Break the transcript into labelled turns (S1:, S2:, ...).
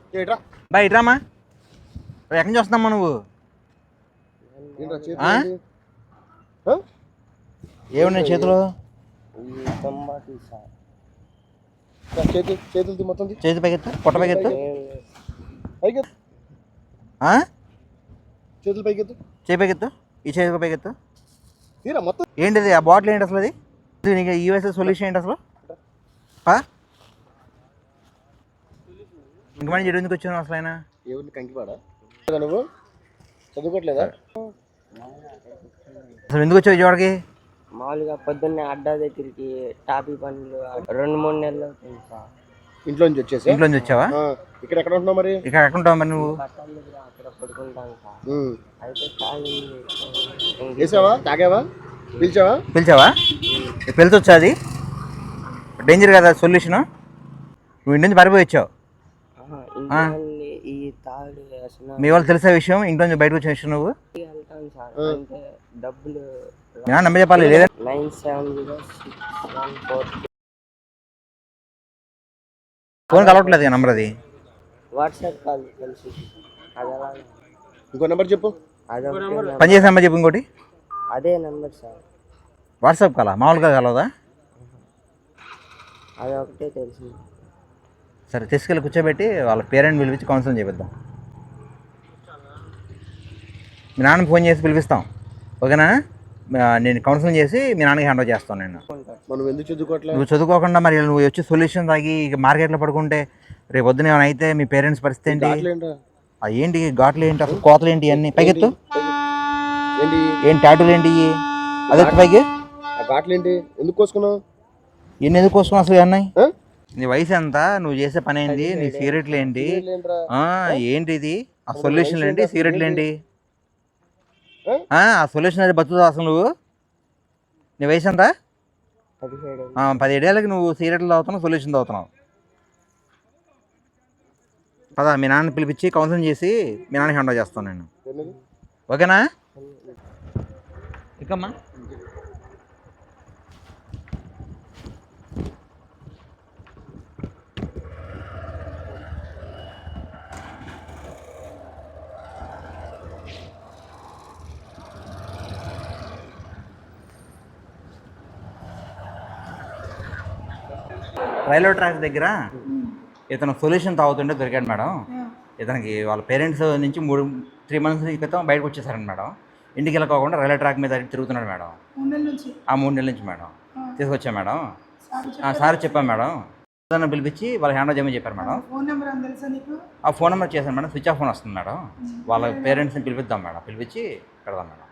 S1: బా ఇట్రామా, ఎక్కడి నుంచి వస్తున్నామ్మా నువ్వు? ఏమున్నాయి చేతిలో? చేతి పైకెత్తు, పొట్ట పైకెత్తు,
S2: చేతులు పైకెత్తు,
S1: చేయి పైకెత్తు, ఈ చేతి పైకెత్తు. ఏంటిది ఆ బాటిల్? ఏంటి అసలు అది? నీకు యూఎస్ఏ సొల్యూషన్ ఏంటి అసలు? ఇంక మంది ఎందుకు వచ్చాను అసలు? ఆయన
S2: ఎవరిని కంకిపాడా? నువ్వు చదువుకోవట్లేదా?
S1: అసలు ఎందుకు వచ్చావు విజయవాడకి?
S3: మామూలుగా పొద్దున్నే అడ్డా దగ్గరికి టాపీ పనులు 2-3 నెలలు అవుతుంది సార్.
S2: ఇంట్లో నుంచి వచ్చేసి
S1: ఇంట్లో నుంచి వచ్చావా?
S2: ఇక్కడ ఎక్కడ ఉంటున్నావు మరి?
S1: ఇక్కడ ఎక్కడ ఉంటావు మరి నువ్వు?
S3: అక్కడ పడుకుంటాను సార్. అయితే
S2: చేసావా? తాగావా?
S1: పిలిచావా? పిలిచొచ్చా? అది డేంజర్ కదా సొల్యూషన్. నువ్వు ఇంటి నుంచి పారిపోయి వచ్చావు.
S3: ఈ తాడు
S1: మీ వాళ్ళు తెలిసే విషయం, ఇంట్లో నుంచి బయటకు వచ్చిన విషయం నువ్వు
S3: వెళ్తాను సార్. అంటే డబ్బులు
S1: నమ్మ చెప్పాలి లేదా?
S3: 970614
S1: ఫోన్ కలవట్లేదు నంబర్. అది
S3: వాట్సాప్ కాల్ కలిసి.
S2: ఇంకో నెంబర్ చెప్పు.
S1: పని చేసే నెంబర్ చెప్పు ఇంకోటి.
S3: అదే నెంబర్ సార్.
S1: వాట్సాప్ కాలా? మామూలుగా కలవదా?
S3: అది ఒకటే తెలుసు.
S1: సరే తీసుకెళ్ళి కూర్చోబెట్టి వాళ్ళ పేరెంట్ పిలిపించి కౌన్సిలింగ్ చేపిద్దాం. మీ నాన్నకి ఫోన్ చేసి పిలిపిస్తాం, ఓకేనా? నేను కౌన్సిలింగ్ చేసి మీ నాన్నకి హ్యాండ్ ఓవర్ చేస్తాను. నేను నువ్వు చదువుకోకుండా మరి నువ్వు వచ్చి సొల్యూషన్ తాగి ఇక మార్కెట్లో పడుకుంటే రేపు పొద్దున ఏమైనా అయితే మీ పేరెంట్స్ పరిస్థితి ఏంటి? ఏంటి ఘాట్లు ఏంటి అసలు? కోతలు ఏంటి? అన్నీ పైకెత్తు. ఏంటి టాటూలు ఏంటి? అదే పైకి
S2: ఎందుకు కోసుకున్నావు?
S1: ఎన్ని ఎందుకు కోసుకున్నావు అసలు? అన్నాయి నీ వయసు ఎంత? నువ్వు చేసే పని ఏంటి? నీ సిగరెట్లు ఏంటి? ఏంటి ఇది? ఆ సొల్యూషన్లు ఏంటి? సిగరెట్లు ఏంటి? ఆ సొల్యూషన్ అయితే బతుకుతావు అసలు నువ్వు? నీ వయసు ఎంత? 17 ఏళ్ళకి నువ్వు సిగరెట్లు తాగుతున్నావు, సొల్యూషన్ తాగుతున్నావు. పదా మీ నాన్న పిలిపించి కౌన్సిలింగ్ చేసి మీ నాన్నకి హ్యాండ్ ఓవర్ చేస్తాను నేను, ఓకేనా? ఇకమ్మా రైల్వే ట్రాక్ దగ్గర ఇతను సొల్యూషన్ తాగుతుంటే దొరికాడు మేడం. ఇతనికి వాళ్ళ పేరెంట్స్ నుంచి 3 months క్రితం బయటకు వచ్చేసారండి మేడం. ఇంటికి వెళ్ళకోకుండా రైల్వే ట్రాక్ మీద తిరుగుతున్నాడు మేడం. 3 నెలల నుంచి మేడం. తీసుకొచ్చాం మేడం. సార్ చెప్పాం మేడం. పిలిపించి వాళ్ళ హ్యాండ్ ఓవర్ చేయమని చెప్పారు మేడం. ఆ ఫోన్ నెంబర్ చేశాను మేడం. స్విచ్ ఆఫ్ ఫోన్ వస్తుంది మేడం. వాళ్ళ పేరెంట్స్ని పిలిపిద్దాం మేడం. పిలిపించి పెడదాం మేడం.